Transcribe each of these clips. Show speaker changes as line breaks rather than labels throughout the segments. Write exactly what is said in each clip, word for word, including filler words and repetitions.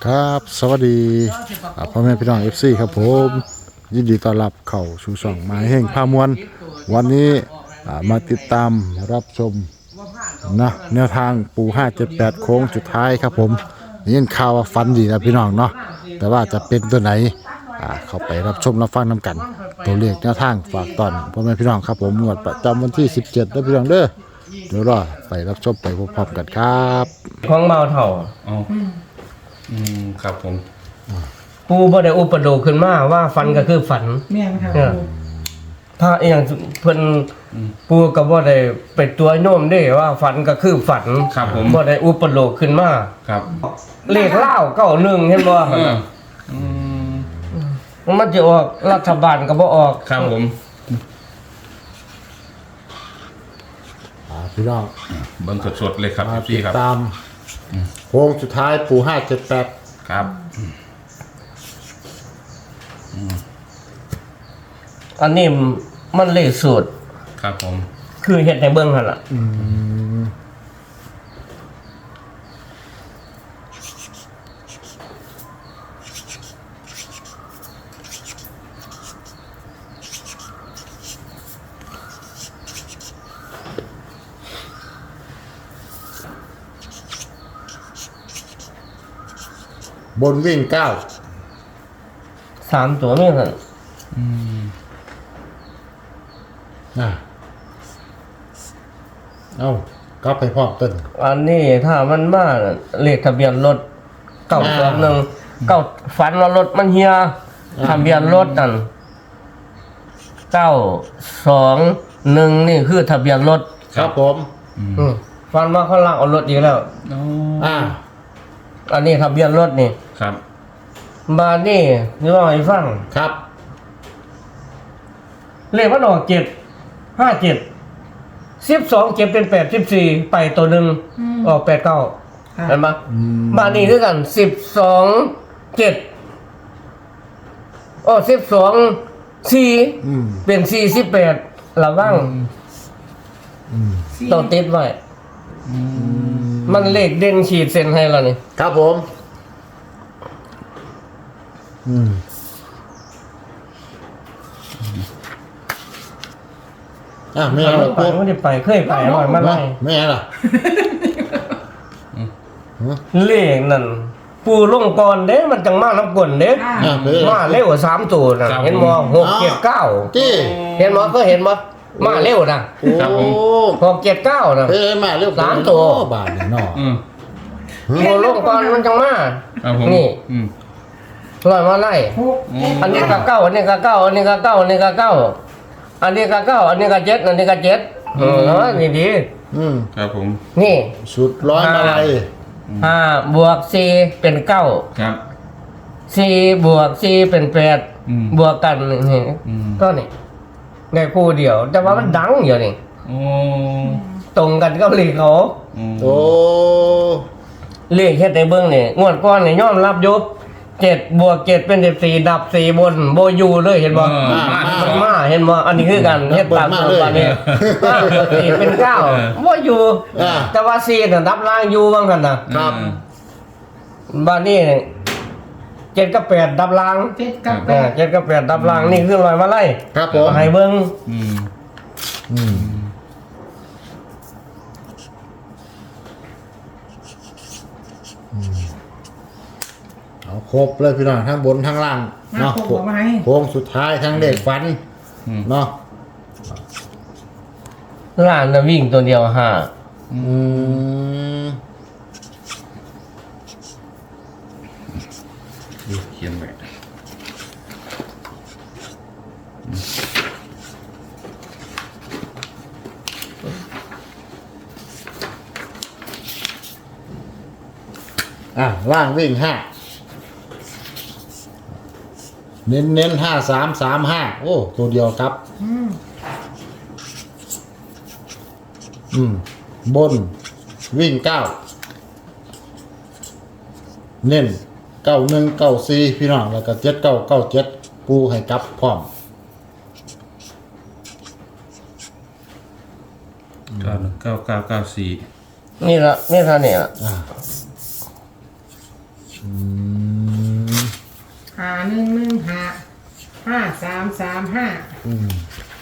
ครับสวัสดีพ่อแม่พี่น้อง เอฟ ซี ครับผมยินดีต้อนรับเข้าสู่ช่องหมายแห่งพามวลวันนี้มาติดตามรับชมนะแนวทางปูห้าเจ็ดแปดโค้งสุดท้ายครับผมยินข่าวว่าฟันดีนะพี่น้องเนาะแต่ว่าจะเป็นตัวไหนเข้าไปรับชมรับฟังน้ำกันตัวเลขแนวทางฝากตอนพ่อแม่พี่น้องครับผมงวดประจำวันที่สิบเจ็ดนะพี่น้องเด้อเดี๋ยวรอไปรับชมไปพร้อมๆกันครับ
ของเมาเถ่า
อ๋ออืมครับผม
ปูบ่ได้อุปโลกขึ้นมาว่าฝันก็คือฝัน
แม่นค่ะ
ถ้าอย่างเพิ่นปูก็บ่ได้ไปตัวโน้มเด้ว่าฝันก็คือฝัน
ครับผม
บ่ได้อุปโลกขึ้นมา
ครับ
เลขเล่าเก้าหนึ่งเห็นบ่
อืม
มันจะออกรัฐบาลก็บ่ออก
ครับผม
พี่น้อง
เบิ่งสดๆเลยครับพี่ครับ
ตามโค้งสุดท้ายปูห้าเจ็ดแปด
ครับ
อันนี้มันเลขสูตร
ครับผม
คือเฮ็ดให้เบิ่งหั่นล่ะ
บนวิ่งเก้า
สามตัวนี่หั่น
อืม
อ่ะเอ้ากลับไปพร้อมต้น
อันนี้ถ้ามันมาเลขทะเบียนรถเก้าสองหนึ่งเก้าฝันว่ารถมันเฮียทะเบียนรถนั่นเก้าสองหนึ่งนี่คือทะเบียนรถ
ครับผม
ฝันว่าเขาลากเอารถอีกแล้ว
อ่า
อันนี้ทะเบียนรถนี่
ครับ
บานี่นี่ว่าให้ฟัง
ครับ
เลขมันออกเจ็ดห้าเจ็ดสิบสองเจ็ดเป็นแปดสิบสี่ไปตัวหนึ่งออกแปดเก้าเห็นปะบานี่คือกันสิบสองเจ็ดอ๋อสิบสองสี่เป็นสี่สิบแปดระวังต้องติดไว้มันเลขเด่นขีดเส้นให้เรานี่
ครับผมอืมอ่ะไม่เอาหรอก
ไม่ได้ไปเคยไปอร่อยมากเลย
ไม่เอาหรอ
เลขนั่นปูลงก่อนเด้มันจังมาน้ำกลนเด้มาเร็วสามตัวนะเห็นมั้ยหกเจ็ดเก้าเห็นมั้ยก็เห็นมั้ยมาเร็วนะหกเจ็ดเก้านะ
เฮ้ยมาเร็ว
สามตัว
บาทเนี่ยเนาะ
ปูลงก่อนมันจังมานี่ลอยมาไล่อันนี้ก็เก้าอันนี้ก็เก้าอันนี้ก็เก้าอันนี้ก็เก้าอันนี้ก็เก้าอันนี้ก็เจ็ดอันนี้ก็เจ็ดเออนี่ดี
อืม
ครับผม
นี่
สุดร้อยมาลัย
ห้าบวกสี่เป็นเก้า
ครับ
สี่บวกสี่เป็นแปดบวกกันนี่ก็นี่ได้คู่เดียวแต่ว่ามันดังอยู่นี่ตรงกันก็เลขเขา
โอ้
เลขแค่ในเบื้องนี่งวดก้อนนี่ยอมรับยุบเจ็ดบวกเจ็ดเป็นสิบสี่ดับสี่บนโบยูเลยเห็นบ่มันมาเห็นบ่อันนี้คือกันเฮ็ดตามตัวปานนี้ห้าบวกสี่เป็นเก้าโบยูแต่ว่าสี่น่ะดับล่างยูว่างั้นน่ะครับบ้านนี้เจ็ดกับแปดดับล่าง
เจ็ดกับแปด
เจ็ดกับแปดดับล่างนี่คือลอยมาไล่
ครับผม
ให้เบิ่ง
อืม
อืมเอาครบเลยพี่น้องทั้งบนทั้งล่างเนาะโค้งสุดท้ายทั้งเด็กฟันเนาะ
ล่างน่ะวิ่งตัวเดียวห้า
อืม
เขียนไว้
อ่ะล่างวิ่งห้าเน้นเน้นห้าสามสามห้าโอ้ตัวเดียวครับอืมบนวิ่งเก้าเน้นเก้าหนึ่งเก้าสี่พี่น้องแล้วก็เจ็ดเก้าเก้าเจ็ดปูให้กลับพร้อม
เก้าหนึ่งเก้าเก้าเก้าสี่
นี่ละนี่ท่านี่ละ
อ่าอืม
หนึ่งหนึ่งห้าห้าสามสามห้า
อืม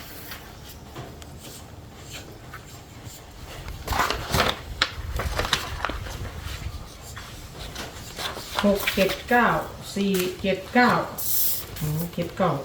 หกเจ็ดเก้าสี่เจ็ดเก้าอืมเจ็ดเก้า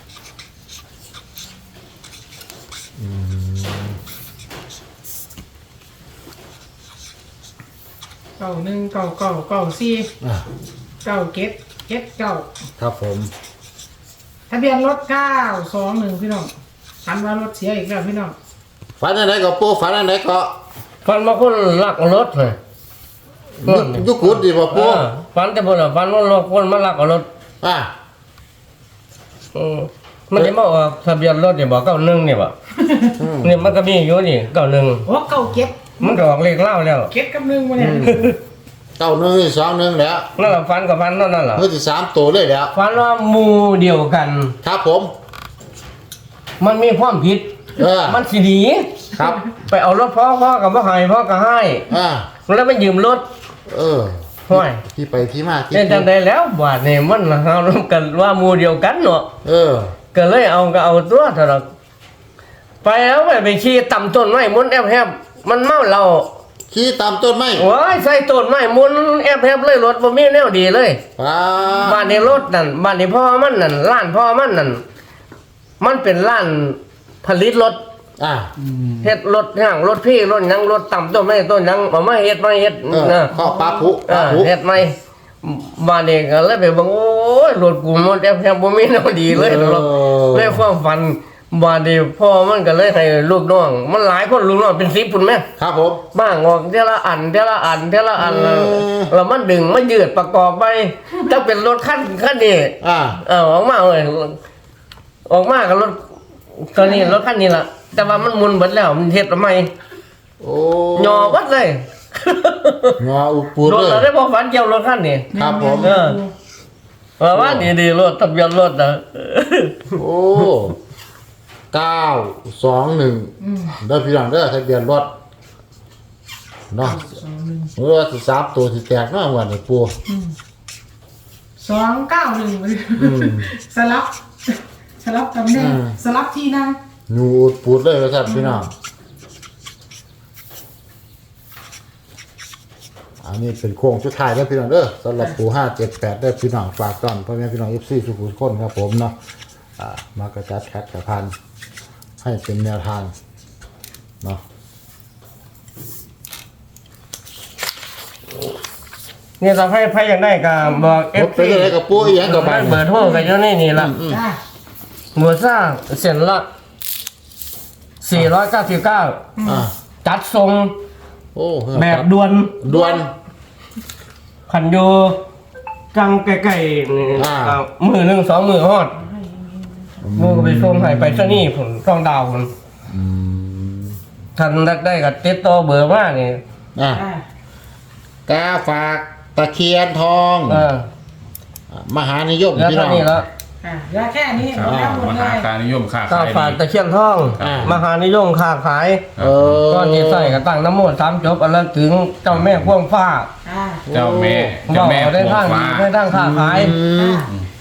เก้าหนึ่งเก้าเก้าเก้าสี่
อ่ะ
เก้าเจ็ดเจ็ดเก้า
ครับผม
ทะเบียนรถเก้าสองหนึ่งพี่น้องฝันว่ารถเสียอีกแล้วพี่น้อง
ฝันอันไหนก็ปูฝันอันไหนก็
ฟันมาคนลักรถเลย
ยุคยุคกุดดีบ่ปู
เออฟันแต่บนอ่ะฟันว่ารถคนมาลักเอารถ
อ่ะ
อืมมันจะมาออกทะเบียนรถเนี่ยบอกเก้าหนึ่งเนี่ยบ่เนี่ยมันก็มีอยู่นี่เก้าหนึ่ง
โอ้เก้าเก็บ
มันก็ออกเลขเล่าแล้ว
เก็บกับหนึ่งมาเนี่ย
เก้าหนึ่งสองหนึ่งแล้ว
นั่นแหละฟันกับฟันเท่านั่นแหละ
เมื่อที่สามตัวเลยแล้ว
ฟันว่าหมู่เดียวกัน
ครับผม
มันมีความผิด
เออ
มันสิดี
ครับ
ไปเอารถพ่อพ่อกับพ่อให้พ่อก็ให้
อ่า
แล้วมันยืมรถ
เออ
ห้อย
ที่ไปที่มาที่
เล่นจังได้แล้วบาดนี่มันเฮาร่วมกันว่าหมู่เดียวกันเนาะ
เออ
ก็เลยเอาก็เอาตัวเถอะดอกไปแล้วไปไปขี่ต่ำต้นไม้มุนแอบแฮบมันเมาเรา
ขี่ตามต้นไม้
ว้ายใส่ต้นไม้มุนแอบแฮบเลยรถบ่มีแนวดีเลย
ป้า
บ้านในรถนั่นบ้านในพ่อมันนั่นร้านพ่อมันนั่นมันเป็นร้านผลิตรถ
อ่า
เฮ็ดรถย่างรถพี่รถหยังรถต่ำต้นไม้ต้นหยังเอามาเฮ็ดมาเฮ็ด
เออ
นะ
ข้อปลาผุป
เอ
ลา
อ
ผุ
เฮ็ดใหม่บ้านนี้ก็เลยไปเบิ่งโอ้ยรถกูมันแอบแฮบบ่มีแนวดีเลยหรอกเลยความฝันบ้านนี้พ่อมันก็เลยให้ลูกน้อง มันหลายคนลูกน้องเป็นสิบพุ่นแม่
ครับผม
บ้างออกเทละอันเทละอันเทละอัน
อืม
แล้วมันดึงมันยืดประกอบไปถ้าเป็นรถคันคันนี้
อ่า
เออออกมาเลยออกมากับรถตอนนี้รถคันนี้ล่ะ แต่ว่ามันหมุนเบิดแล้วมันเฮ็ดทำไม
โอ้
ยอวัดเลย
งออุปูด
รถ
เล
เรา
ย
ได้พอฝันเกี่ยวรถคันนี้
ครับผม
เออว่าดีดีๆรถทะเบียนรถนะ
โอ้เก้าสองหนึ่งเด้อพี่น้องเด้อทะเบียนรถเนาะ
สองหนึ่ง
เมื่อสิสามตัวสิแตกเนาะวันนี้ปู
สองเก้าหนึ่งสลับ สลับตำแหน่งสลับที่นั่ง
งูอุดปูดเลยครับพี่น้องอันนี้เป็นโค้งสุดท้ายแล้วพี่น้องเด้อสำหรับปูห้าเจ็ดแปดได้อพี่น้องฝากก่อนพ่อแม่พี่น้องเอฟซีสุขุมคนครับผมเนาะอ่ามากระจัดแคทกระพันให้เป็นแนวทางเนาะ
เนี่ยถ้าให้ใครอยากได้ก็บอกเอ
เอ
ฟ
ฟเป็นอะไรกับปูอีหยังกับ
ได้
บ้าน
เบอร์โทรกันอยู่ในนี่ล่ะ
จ้า
หมูซ่าเส้นละสี่ร้อยเก้าสิบเก้า
อ่า
จัดทรง
โอ้
แบบด่วน
ด่วน
ขันโยจังไก่ๆนี่
อ่า
อ่ามือหนึ่งสองมือฮอดมือก็ไปส่งให้ไปซะนี่ผมต้องดาวผม
อืม
ท่านรักได้กับติดต่อเบอร์มานี่
อ่ะ
อ่าก
าฝากตะเคียนทอง
เออ
มหานิยม
แล้ว
พี่
เท่า
น้อง
นี้แล้ว
อ่าแล้วแค่นี้หมดแล้วหมด
ม
เล
หาย การนิยมค้า
ก้า
ขา
วย ฝาก
ดี
ตะเคียนทอง
อ่าม
มหานิยมค้าขาย
เออ
ก้อนนี้ใส่กระตั้งน้ำมนต์สามจบอันละถึงเจ้าแม่พ่วงฟ้า
อ่า
เจ้าแม่
บ
เจ้า
อก
แม่
ได้
ปว
ทาง
งฟ้า
ได้ทางค้าขาย
อืม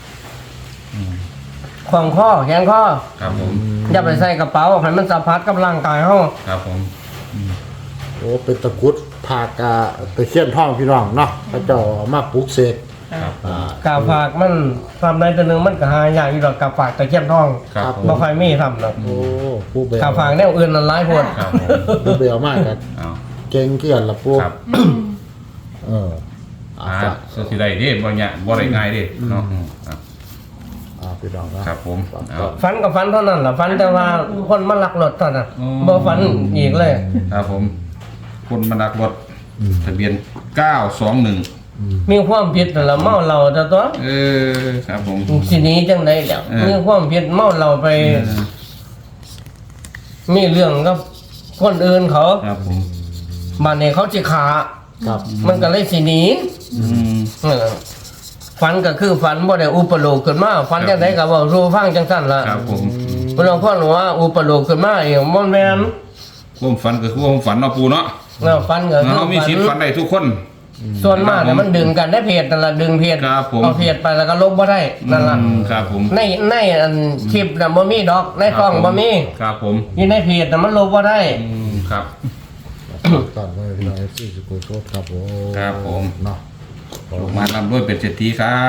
ขวางข้อแขนข้อ
ครับผม
อย่าไปใส่กระเป๋าให้มันสัมผัสกับร่างกายเฮา
ครับผม
โอ้เป็นตะกรุดผากาตะเคียนทองพี่น้องเนาะพระเจ้าเอามาปลูกเสก
ครับ
อ่า
กาฝากมันทำได้ตัวหนึงมันก็หาอย่างอยู่ดอกกาฝากตะเคียนทอง
ครับผม
บ่ค่อยมีทำดอก
โอ้ผู้เบล
กาฝากแนวอื่นนั่นหลายโพด
ครับผม
ผู้เบลมากกัน
เอา
เก่งเกี่ยนละปู
ครับ
เอออ่า
อ่า
ฝาก
สุดที่ใดเด้บ่เนี่ยบ่ได้ง่ายเด้เนาะอืมครับ
อ่าพี่น้องนะครับ
ผมเอา
ฝันกับฝันเท่านั้นล่ะฝันแต่ว่าคนมาลักรถเท่านั้น
อืม
บ่ฝันอีกเลย
ครับผมคนมาดักรถทะเบียนเก้าสองหนึ่ง
มีความผิดนั่นล่ะเมาเหล้าแต่ตัว
เออครับผม
สิหนี้จังได๋แล้ว
เออ
มีความผิดเมาเหล้าไป
เออ
มีเรื่องกับคนอื่นเขา
ครับผม
บ้านนี้เขาสิขา
ครับ
มันก็เลยสิหนี
อืม
เออฝันก็คือฝันบ่ได้อุปโลกขึ้นมาฝันจังไดก็เว้าสู่ฟังจังซั่นล่ะ
ครับผม
เพิ่นพ่อหนูว่าอุปโลกขึ้นมาเองบ่แม่น
ความฝันก็คือความฝันเนาะปูเนาะ
แล้วฝันก็คือ
เรามี
ฝัน
สิทธิ์ฝันได้ทุกคน
ส่วนมากเนี่ยมันดึงกันได้เพจนั่นละดึงเพจ
ครับผม
เอาเพจไปแล้วก็ลบบ่ได้นั่นละ
อืมครับผม
ในในอันคลิปน่ะบ่มีดอกในกล้องบ่มี
ครับผม
อยู่ในเพจน่ะมันลบบ่ได้
อืมครับ
ก่อนเลยพี่น้องเอฟซีสกูโชดครับผม
ครับผม
เนาะ
ลงมาลำด้วยเป็นเศรษฐีครับ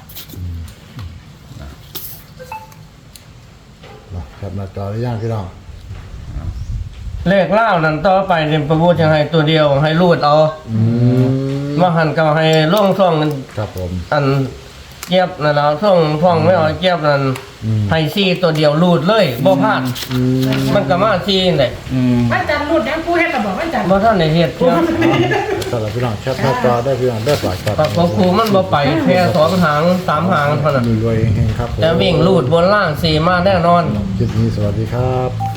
เนาะครับหน้าจอได้ย่างพี่น้อง
เลขเล่านั่นต่อไปเนี่ยประพูดจะให้ตัวเดียวให้รูดเอา
อืม
ว่าหันก็ให้ล่องซ่องกัน
ครับผม
อันเจี๊ยบนั่นแล้วซ่องซ่องไม่เอาเจี๊ยบนั่น
อืม
ให้ซี่ตัวเดียวรูดเลยบ่พลาด
อืม
มันก็มาซี่นี่แหละ
อืม
วันจันทร์รุ่นยังผู้เฮ็ดระบอกวันจันทร์
บ่ทันได้เฮ็ดเชียว
สำหรับพี่น้องแคปหน้าจอได้พี่น้องได้ปลายครับ
ปากของครูมันบ่ไปแค่สองหางสามหางเท่านั้น
มีรวยเฮงๆครับผม
จะวิ่งรูดบนล่างสี่มาแน่นอน
คลิปนี้สวัสดีครับ